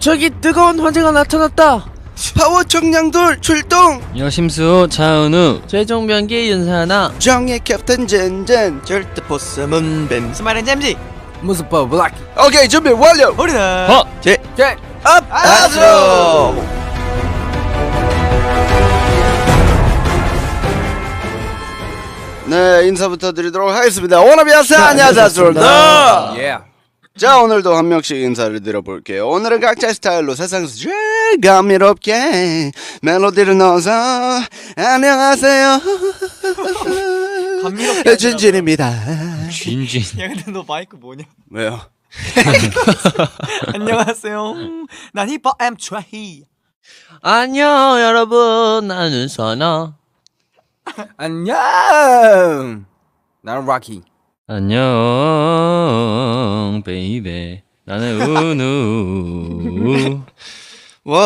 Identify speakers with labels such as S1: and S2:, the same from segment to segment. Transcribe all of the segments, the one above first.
S1: 저기 뜨거운 화재가 나타났다.
S2: 파워 청량돌 출동.
S3: 여심수 차은우
S1: 최종 변기 윤사나
S2: 정의 캡틴 젠젠 절대 보스 문뱀
S1: 스마일은 잼지
S4: 무스퍼 블랙.
S2: 오케이 준비 완료.
S1: 우리는
S2: 업 아스로. 네, 인사부터 드리도록 하겠습니다. 워너비아스 안녕하세요. 아스로입니다.
S4: 예.
S2: 자, 오늘도 한 명씩 인사를 드려볼게요. 오늘은 각자의 스타일로 세상에서 제일 감미롭게 멜로디를 넣어서 안녕하세요.
S1: 감미롭게
S2: 진진입니다.
S3: 진진
S1: 야 근데 너 마이크 뭐냐?
S2: 왜요?
S1: 안녕하세요. 난 힙합 M 트라이. 안녕 여러분, 나는 선아.
S4: 안녕. 나는 락키.
S3: 안녕 베이베 나는 은우
S5: 와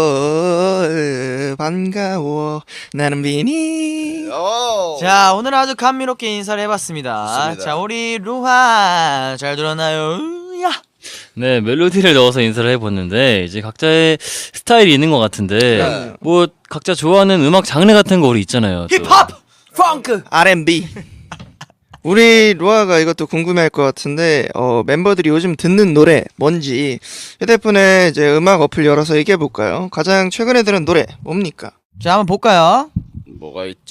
S5: 반가워 나는 비니.
S1: 자, 오늘 아주 감미롭게 인사를 해봤습니다.
S2: 좋습니다.
S1: 자, 우리 루하 잘 들었나요? 야.
S3: 네 멜로디를 넣어서 인사를 해봤는데 이제 각자의 스타일이 있는 것 같은데 뭐 각자 좋아하는 음악 장르 같은 거 우리 있잖아요. 또.
S1: 힙합, 펑크.
S5: R&B. 우리 루아가 이것도 궁금해할 것 같은데 멤버들이 요즘 듣는 노래 뭔지 휴대폰에 이제 음악 어플 열어서 얘기해 볼까요? 가장 최근에 들은 노래 뭡니까?
S1: 자, 한번 볼까요?
S2: 뭐가 있지?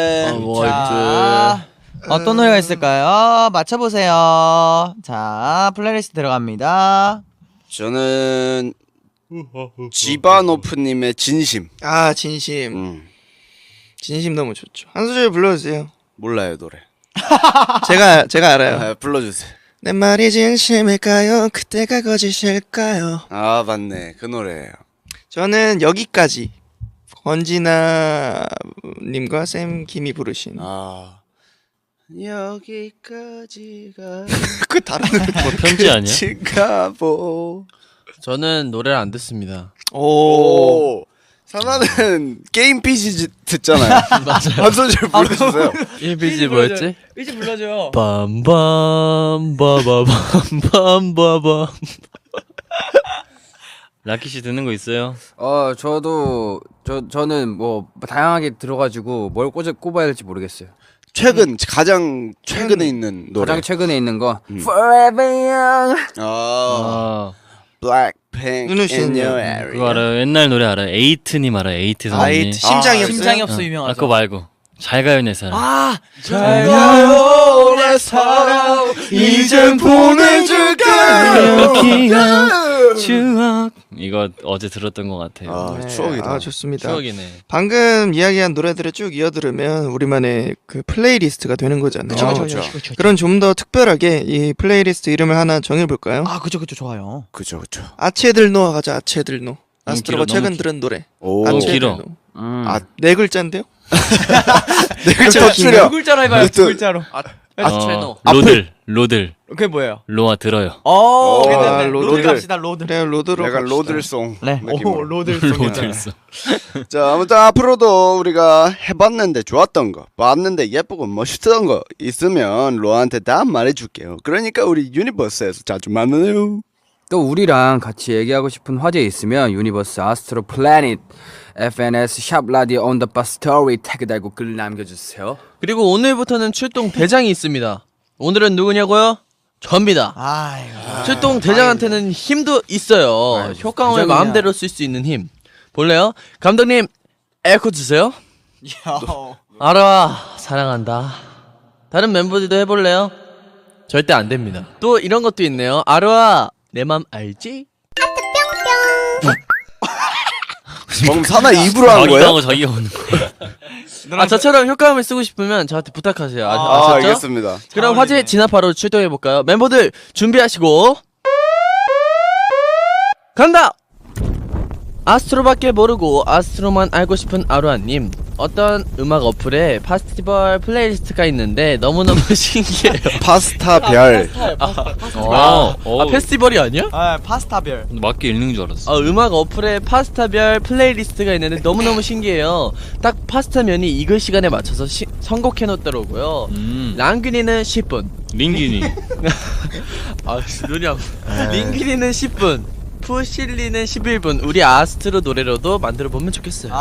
S1: 자, 어떤 노래가 있을까요? 맞춰보세요. 자, 플레이리스트 들어갑니다.
S2: 저는 지바노프님의 진심.
S5: 아 진심. 진심 너무 좋죠. 한 소절 불러주세요.
S2: 몰라요 노래.
S5: 제가 알아요.
S2: 아, 불러주세요.
S5: 내 말이 진심일까요? 그때가 거짓일까요?
S2: 아 맞네 그 노래예요.
S5: 저는 여기까지 권진아 님과 샘 김이 부르신
S2: 아 여기까지가
S5: 그 다른 노래
S3: 뭐 편지 아니야?
S2: 치가보.
S1: 저는 노래를 안 듣습니다.
S5: 오.
S2: 사나는 게임 PC 듣잖아요. 맞아요. 한 소절 불러주세요.
S1: 1BG 뭐였지?
S4: 이제 불러줘.
S3: 빰빰빠바밤빰빰빠밤 라키씨 듣는 거 있어요?
S4: 저도 저는 뭐 다양하게 들어가지고 뭘 꼽아야 될지 모르겠어요.
S2: 최근 가장 최근에 있는 노래.
S4: 가장 최근에 있는 거 Forever Young.
S2: Blackpink
S5: 누누
S2: in
S5: 씨는요?
S2: your area.
S3: 그거 알아요? 옛날 노래 알아요? 에이트님 알아요? 에이트 선생님
S5: 아이트 심장이 없어요?
S1: 심장이 없어
S3: 아
S1: 유명하죠.
S3: 그거 말고 잘 가요 내 사랑
S1: 잘 가요 내 사랑
S2: 이젠 보내줄까요?
S3: 기억 추억 이거 어제 들었던 것 같아요.
S2: 아
S5: 네,
S2: 추억이다.
S5: 아 좋습니다.
S3: 추억이네.
S5: 방금 이야기한 노래들을 쭉 이어 들으면 우리만의 그 플레이리스트가 되는 거잖아요.
S2: 그쵸.
S5: 그럼 좀 더 특별하게 이 플레이리스트 이름을 하나 정해볼까요?
S1: 아, 그쵸, 좋아요.
S2: 그죠.
S5: 아체들노 가자. 아체들노. 아스트로가
S3: 길어,
S5: 최근
S3: 너무
S5: 들은 노래.
S2: 오.
S3: 길어.
S5: 아체들노.
S2: 아,
S5: 네 글자인데요?
S2: 네 글자 줄여.
S1: 두 글자로 해봐요, 두 글자로.
S3: 로들
S1: 그게 뭐예요?
S3: 로아 들어요.
S2: 오,
S1: 괜찮네.
S5: 로드.
S1: 로드 갑시다, 로드.
S5: 그래요 로드로
S2: 약간
S5: 갑시다.
S2: 로들송.
S1: 네,
S2: 느낌으로.
S1: 로드송.
S3: 로들송.
S2: 자 아무튼 앞으로도 우리가 해봤는데 좋았던 거, 봤는데 예쁘고 멋있던 거 있으면 로아한테 다 말해줄게요. 그러니까 우리 유니버스에서 자주 만나요.
S4: 또 우리랑 같이 얘기하고 싶은 화제 있으면 유니버스 아스트로 플래닛 FNS 샵 라디오 온 더 버스 스토리 태그 달고 글 남겨주세요.
S6: 그리고 오늘부터는 출동 대장이 있습니다. 오늘은 누구냐고요? 접니다.
S1: 아이고.
S6: 출동 대장한테는 힘도 있어요. 효과음을
S4: 대장이냐.
S6: 마음대로 쓸 수 있는 힘. 볼래요? 감독님, 에코 주세요. 알아, 사랑한다. 다른 멤버들도 해볼래요? 절대 안 됩니다. 또 이런 것도 있네요. 아르아, 내 맘 알지?
S2: 방금 사나 입으로 한
S3: 저기가
S2: 거예요?
S3: 하고 저기가 오는 거야.
S6: 아, 저처럼 효과음을 쓰고 싶으면 저한테 부탁하세요.
S2: 아
S6: 아셨죠?
S2: 알겠습니다.
S6: 그럼 화제 진압하러 출동해볼까요? 멤버들 준비하시고 간다! 아스트로밖에 모르고 아스트로만 알고 싶은 아루아님, 어떤 음악 어플에 페스티벌 플레이리스트가 있는데 너무너무 신기해요.
S2: 파스타 별.
S6: 페스티벌이 아니야?
S1: 아, 파스타별.
S3: 맞게 읽는 줄 알았어.
S6: 음악 어플에 파스타별 플레이리스트가 있는데 너무너무 신기해요. 딱 파스타면이 익을 시간에 맞춰서 선곡해놓더라고요. 랑귀니는 10분,
S3: 링기니.
S6: 눈이 안 링귀니는 10분, 푸실리는 11분 우리 아스트로 노래로도 만들어 보면 좋겠어요.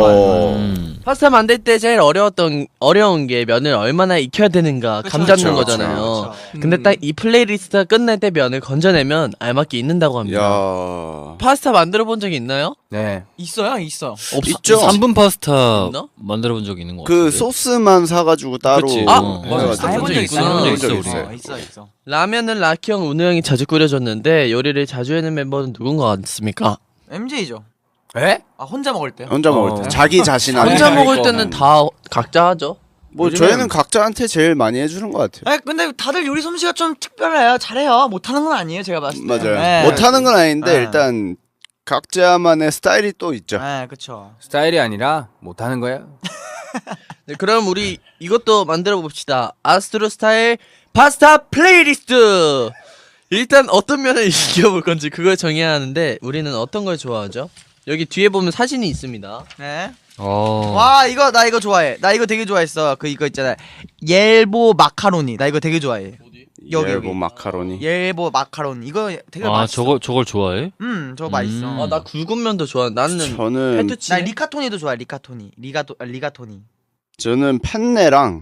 S6: 파스타 만들 때 제일 어려운 게 면을 얼마나 익혀야 되는가 감 잡는
S2: 그쵸,
S6: 거잖아요. 근데 딱 이 플레이리스트가 끝날 때 면을 건져내면 알맞게 익는다고 합니다.
S2: 야.
S6: 파스타 만들어 본 적이 있나요?
S4: 네.
S1: 있어요, 있어.
S2: 있죠.
S3: 3분 파스타
S6: 있나?
S3: 만들어 본 적 있는 것 같은데.
S2: 그 소스만 사가지고 따로.
S3: 그치.
S6: 아,
S2: 해가지고.
S6: 맞아. 해본 적 있구나.
S3: 해본 적 있어,
S2: 있어요.
S3: 우리.
S1: 있어.
S6: 라면은 라키 형, 운우 형이 자주 끓여줬는데 요리를 자주 해낸 멤버는 누군 것 같습니까?
S1: MJ죠.
S4: 에?
S1: 아 혼자 먹을 때요.
S2: 혼자 먹을 때 자기 자신한테.
S6: 혼자 먹을 때는 다 각자 하죠.
S2: 뭐 저희는 각자한테 제일 많이 해주는 것 같아요.
S1: 아 근데 다들 요리 솜씨가 좀 특별해요. 잘해요. 못하는 건 아니에요. 제가 봤을 때.
S2: 맞아요.
S1: 네.
S2: 못하는 건 아닌데
S1: 네.
S2: 일단 각자만의 스타일이 또 있죠.
S1: 네, 그렇죠.
S4: 스타일이 아니라 못하는 거야.
S6: 네, 그럼 우리 이것도 만들어 봅시다. 아스트로 스타일 파스타 플레이리스트. 일단 어떤 면을 익혀볼 건지 그걸 정해야 하는데 우리는 어떤 걸 좋아하죠? 여기 뒤에 보면 사진이 있습니다.
S1: 네.
S3: 와.
S1: 와 나 이거 좋아해. 나 이거 되게 좋아했어. 그 이거 있잖아. 옐보 마카로니. 나 이거 되게 좋아해. 여기,
S2: 옐보
S1: 여기.
S2: 마카로니.
S1: 옐보 마카로니. 이거 되게
S3: 아,
S1: 맛있어.
S3: 저걸 좋아해?
S1: 저거 맛있어.
S6: 나 굵은 면도 좋아. 나는
S2: 저는
S1: 나 리카토니도 좋아해. 리카토니. 리가토니.
S2: 저는 펜네랑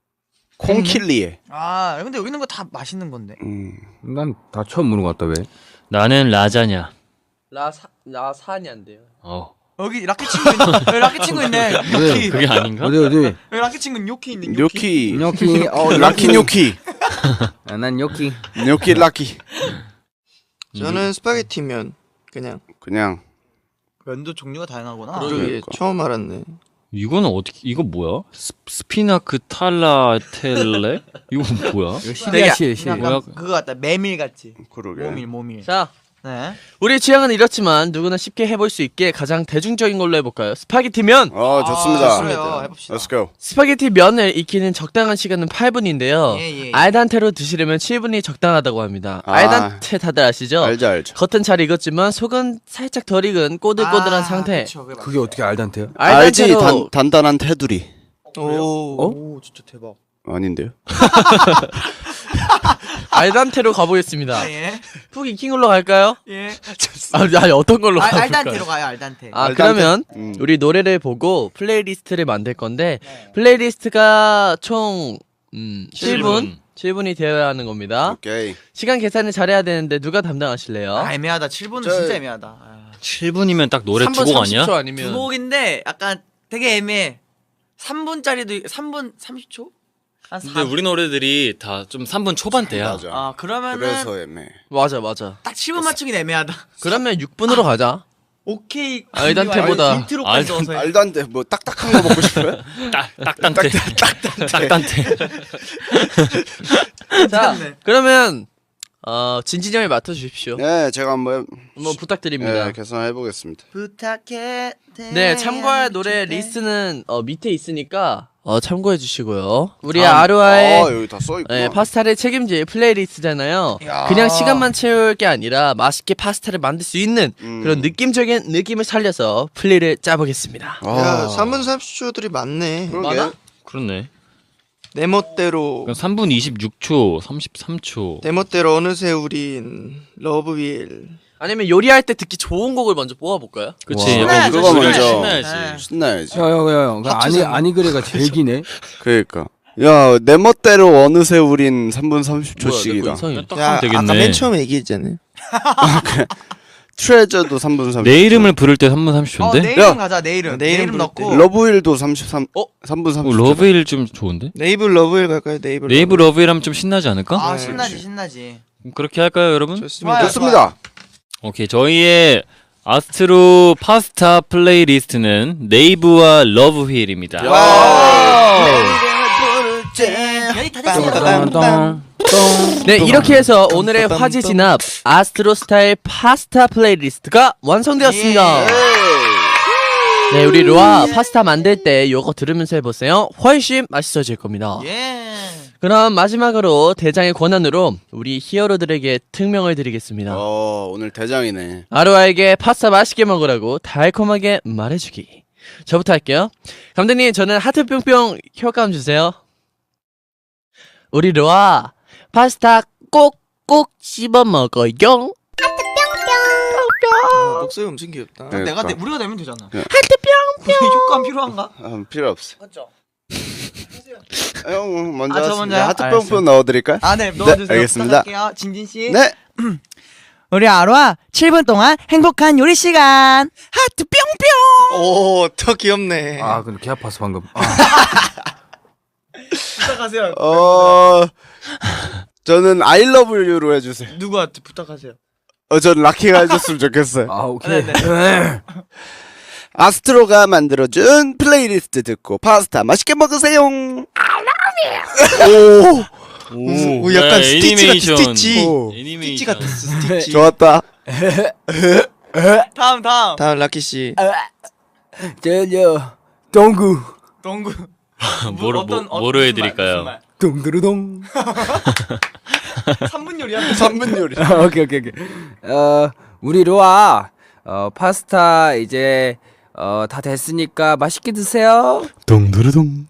S2: 콩킬리에.
S1: 아 근데 여기 있는 거 다 맛있는 건데.
S4: 난 다 처음 보는 것 같다 왜?
S3: 나는 라자냐.
S6: 라산이 안 돼요.
S1: 여기 라켓 친구 있네. 여기 라켓 친구 있네. 요키.
S3: 그게 아닌가?
S4: 어디?
S1: 여기 라켓 친구 요키 있네. 요키.
S2: 뇨키.
S4: 뇨키.
S2: 라키 뇨키.
S4: 아, 난 뇨키.
S2: 뇨키 라키.
S5: 저는 스파게티면 그냥
S1: 면도 종류가 다양하구나.
S5: 그러게 처음 알았네.
S3: 이거는 어떻게 이거 뭐야? 스피나크 탈라텔레? 이거 뭐야?
S4: 실이야 실.
S1: 약간
S3: 뭐야?
S1: 그거 같다. 메밀 같지.
S2: 그러게.
S1: 모밀.
S6: 자,
S1: 네.
S6: 우리 취향은 이렇지만 누구나 쉽게 해볼 수 있게 가장 대중적인 걸로 해볼까요? 스파게티 면!
S2: 좋습니다.
S1: 좋습니다. 해봅시다.
S2: Let's go.
S6: 스파게티 면을 익히는 적당한 시간은 8분인데요.
S1: 예.
S6: 알단테로 드시려면 7분이 적당하다고 합니다.
S2: 아.
S6: 알단테 다들 아시죠?
S2: 알죠.
S6: 겉은 잘 익었지만 속은 살짝 덜 익은 꼬들꼬들한 상태.
S1: 그쵸, 그게
S4: 그게 어떻게 알단테요?
S2: 알지
S6: 알단테로
S2: 단단한 테두리.
S1: 오, 진짜 대박.
S2: 아닌데요?
S6: 알단테로 가보겠습니다.
S1: 예.
S6: 푹 익힌 걸로 갈까요?
S1: 예.
S6: 아니 어떤 걸로 가볼까요?
S1: 알단테로 가요. 알단테.
S6: 아
S2: 알단테.
S6: 그러면
S2: 음.
S6: 우리 노래를 보고 플레이리스트를 만들 건데 플레이리스트가 총 7분이 되어야 하는 겁니다.
S2: 오케이.
S6: 시간 계산을 잘해야 되는데 누가 담당하실래요?
S1: 아, 애매하다. 7분은
S2: 저-
S1: 진짜 애매하다. 아.
S3: 7분이면 딱 노래
S6: 3분
S3: 두 곡 아니야?
S6: 30초 아니면
S1: 두 곡인데 약간 되게 애매해. 3분짜리도 3분 30초? 한 4.
S3: 근데 우리 노래들이 다 좀 3분 초반대야.
S2: 맞아.
S1: 아, 그러면은
S2: 그래서 애매.
S6: 맞아
S1: 딱 7분 맞추긴 애매하다.
S6: 그러면 6분으로 가자.
S1: 오케이.
S6: 알단테보다.
S1: 인트로까지 넣어서 해.
S2: 알단데 뭐 딱딱한 거 먹고 싶어요?
S3: 딱단테. 딱단테.
S6: 자
S1: 괜찮네.
S6: 그러면 진진이 형이 맡아주십시오.
S2: 네, 제가 한번
S6: 부탁드립니다.
S2: 계산해 보겠습니다.
S1: 부탁해.
S6: 네, 참고할 노래 리스트는 밑에 있으니까 참고해 주시고요. 우리
S2: 다음.
S6: 아루아의
S2: 여기 다 써 있고.
S6: 네, 파스타를 책임질 플레이리스트잖아요.
S1: 야.
S6: 그냥 시간만 채울 게 아니라 맛있게 파스타를 만들 수 있는
S2: 음.
S6: 그런 느낌적인 느낌을 살려서 플레이를 짜보겠습니다.
S5: 야 3분 30초들이 많네.
S6: 많아?
S3: 그렇네.
S5: 내 멋대로
S3: 그럼 3분 26초, 33초.
S5: 내 멋대로 어느새 우린 러브윌.
S6: 아니면 요리할 때 듣기 좋은 곡을 먼저 뽑아볼까요?
S3: 그치.
S4: 와.
S3: 약간
S2: 그거
S3: 노래를
S2: 먼저.
S3: 신나야지.
S1: 네.
S2: 신나야지.
S4: 야야야. 아니 그래가 제일 기네.
S2: 그러니까. 야, 내 멋대로 어느새 우린 3분
S6: 뭐야, 내거
S2: 30초씩이다.
S6: 이상해.
S3: 딱
S5: 야
S3: 하면
S5: 아까
S3: 되겠네.
S5: 맨 처음에 얘기했잖아요.
S2: 트레저도 3분 30초.
S3: 내 이름을 부를 때 3분 30초인데?
S1: 내 이름
S2: 야.
S1: 가자. 내 이름.
S5: 내
S1: 내
S5: 이름
S1: 이름
S5: 부를
S1: 넣고.
S5: 때.
S2: 러브힐도 33. 3분 30초.
S3: 러브일 좀 좋은데?
S5: 네이브 러브윌 갈까요? 네이브
S3: 네이브 러브일 하면 좀 신나지 않을까?
S1: 아,
S5: 네,
S1: 신나지.
S3: 그럼 그렇게 할까요, 여러분?
S5: 좋습니다.
S1: 좋아요.
S2: 좋습니다.
S3: 오케이, 저희의 아스트로 파스타 플레이리스트는 네이브와 러브휠입니다.
S1: 여기 다 됐어요.
S4: 똥똥.
S6: 네, 이렇게 해서 오늘의 화제 진압 아스트로 스타일 파스타 플레이리스트가 완성되었습니다. 네, 우리 로아 파스타 만들 때 요거 들으면서 해보세요. 훨씬 맛있어질 겁니다.
S1: 예.
S6: 그럼 마지막으로 대장의 권한으로 우리 히어로들에게 특명을 드리겠습니다.
S2: 오늘 대장이네.
S6: 아루아에게 파스타 맛있게 먹으라고 달콤하게 말해주기. 저부터 할게요. 감독님, 저는 하트 뿅뿅 효과음 주세요. 우리 로아 파스타 꼭꼭 씹어 먹어요. 하트 뿅뿅.
S5: 목소리 엄청 귀엽다.
S2: 네.
S1: 우리가 내면 되잖아.
S2: 네.
S1: 효과음 필요한가?
S2: 필요 없어.
S1: 맞죠?
S2: 형 먼저
S1: 저
S2: 하시죠.
S1: 먼저요?
S2: 하트
S1: 알았어요.
S2: 뿅뿅 넣어드릴까요?
S1: 아, 네, 넣어주세요.
S2: 알겠습니다.
S1: 부탁할게요. 진진 씨.
S2: 네.
S1: 우리 아로아 7분 동안 행복한 요리 시간. 하트 뿅뿅.
S5: 오, 더 귀엽네.
S4: 아 근데 개 아파서 방금.
S1: 부탁하세요.
S2: 저는 I love you로 해주세요.
S1: 누구한테 부탁하세요?
S2: 전 라키가 해줬으면 좋겠어요.
S4: 아 오케이.
S2: 아스트로가 만들어준 플레이리스트 듣고 파스타 맛있게 먹으세요.
S5: 오, 약간 스티치 같은 스티치.
S2: 오.
S3: 애니메이션.
S5: 같은 스티치.
S2: 좋았다.
S1: 다음.
S5: 다음 라키 씨.
S4: 저요 동구
S1: 동구.
S3: 뭐로 해드릴까요?
S4: 동두루동.
S1: 3분 요리야.
S2: 3분 요리.
S4: 오케이. 우리 로아 파스타 이제 다 됐으니까 맛있게 드세요.
S2: 동두루동.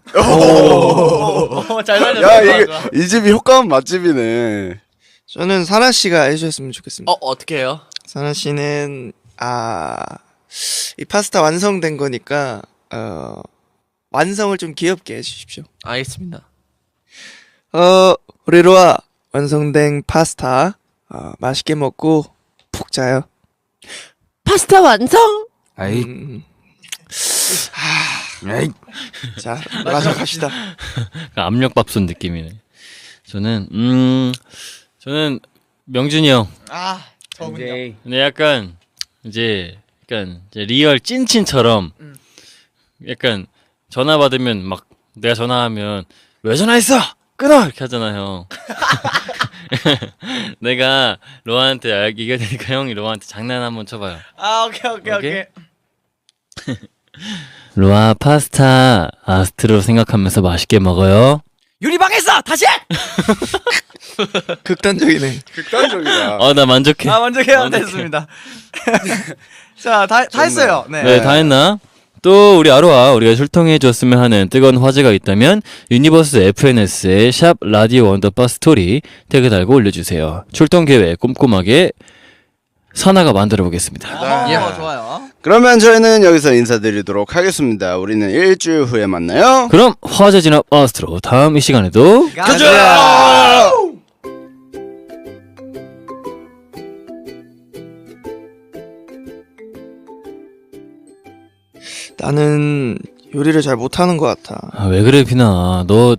S1: 잘 살렸어.
S2: 야, 이 집이 효과음 맛집이네.
S5: 저는 사나 씨가 해주셨으면 좋겠습니다.
S6: 어떻게 해요?
S5: 사나 씨는 이 파스타 완성된 거니까 완성을 좀 귀엽게 해주십시오.
S6: 알겠습니다.
S5: 우리 로아 완성된 파스타 맛있게 먹고 푹 자요.
S6: 파스타 완성.
S4: 아이. 에이.
S5: 자, 마저 갑시다.
S3: 압력밥솥 느낌이네. 저는 명준이 형.
S1: 아, 저분요.
S3: 근데 약간 이제 리얼 찐친처럼 약간 전화 받으면 막 내가 전화하면 왜 전화했어? 끊어! 이렇게 하잖아 형. 내가 로아한테 얘기할 테니까 형이 로아한테 장난 한번 쳐봐요.
S1: 아, 오케이.
S3: 로아 파스타 아스트로 생각하면서 맛있게 먹어요.
S1: 요리방에서 다시 해!
S5: 극단적이네.
S2: 극단적이다.
S3: 나 만족해.
S1: 먼저 해야 됐습니다. 자, 다 했어요.
S3: 네, 다 했나? 또 우리 아로아 우리가 출동해 줬으면 하는 뜨거운 화제가 있다면 유니버스 FNS의 샵 라디오 원더바 스토리 태그 달고 올려주세요. 출동 계획 꼼꼼하게 사나가 만들어 보겠습니다.
S1: 좋아요.
S2: 그러면 저희는 여기서 인사드리도록 하겠습니다. 우리는 일주일 후에 만나요.
S3: 그럼 화제 진압 아스트로 다음 이 시간에도
S2: 가자!
S5: 나는 요리를 잘 못하는 것 같아.
S3: 왜 그래 비나 너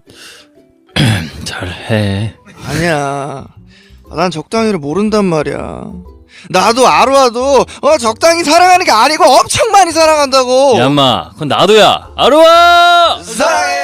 S3: 잘해.
S5: 아니야. 난 적당히를 모른단 말이야. 나도 아루아도 적당히 사랑하는 게 아니고 엄청 많이 사랑한다고.
S3: 야마 그건 나도야 아로아.
S2: 사랑해!